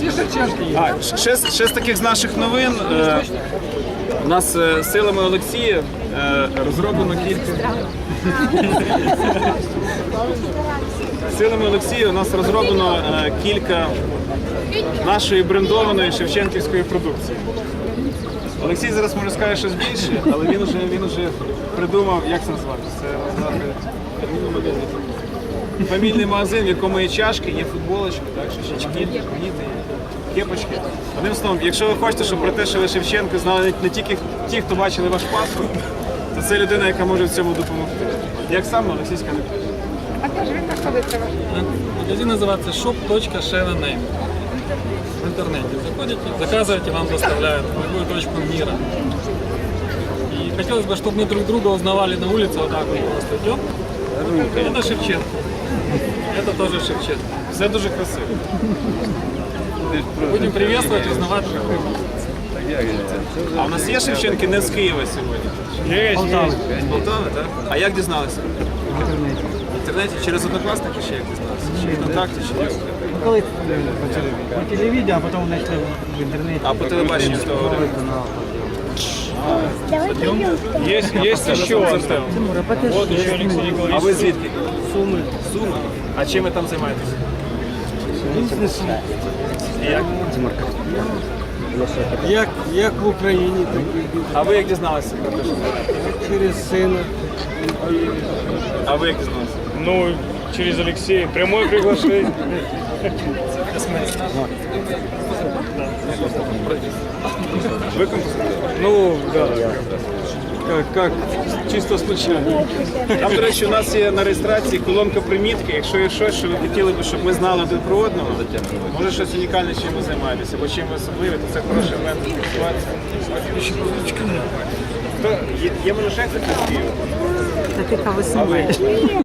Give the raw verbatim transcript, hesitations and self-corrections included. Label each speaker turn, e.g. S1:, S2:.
S1: А, ще, з- ще з таких з наших новин. Е, у нас е, силами Олексія е, розроблено кілька. Силами Олексія у нас розроблено е, кілька нашої брендованої шевченківської продукції. Олексій зараз може сказати щось більше, але він вже він вже придумав, як це назвати. Це назвати фамільний магазин, в якому є чашки, є футболочки, так, шишечки, ніти, кепочки. Одним словом, якщо ви хочете, щоб про те, що ви Шевченко, знали не тільки ті, хто бачили ваш паспорт, то це людина, яка може в цьому допомогти. Як саме Олексійська не пише.
S2: А де ж він знаходиться?
S3: Магазин называется shop точка sheva name. В интернете заходите, заказываете, вам доставляют в любую точку мира. И хотелось бы, чтобы мы друг друга узнавали на улице, вот так вот просто идем. Это Шевченко. Это тоже Шевченко.
S1: Все дуже красиво.
S3: Будем приветствовать, узнавать друг друга.
S1: А у нас є Шевченки не з Києва сьогодні?
S3: Есть, есть.
S1: З Полтави, так? А як дізналися? В інтернеті? Через однокласники ще як дізналися? Чи ВКонтакті, чи як?
S4: Коли почали по телевізору, а потім знайшли в інтернеті.
S1: А по телебаченню з того времени?
S5: Есть, есть еще Артем. Вот еще Алексей
S1: А
S5: Николаевич.
S1: ви звідки?
S4: Суми.
S1: Суми. А чим ви там займаєтесь?
S4: Бізнесом.
S1: І як?
S4: Як, як в Україні, так і бізнес.
S1: А ви як дізналися про те, що це?
S4: Через сина.
S1: А ви як дізналися?
S5: Ну, через Алексея. Прямое приглашение.
S1: Ви композитор?
S4: Ну, да. Как, как чисто случайно.
S1: Там, до речі, у нас є на реєстрації колонка примітки. Якщо є щось, що ви хотіли б, щоб ми знали один про одного, може щось унікальне, чим ви займаєтеся, або чим ви особливі, то це хороший момент спілкуватися. Хто- Є, є може ще хтось з Києва?
S2: Та ти кого
S1: А ви?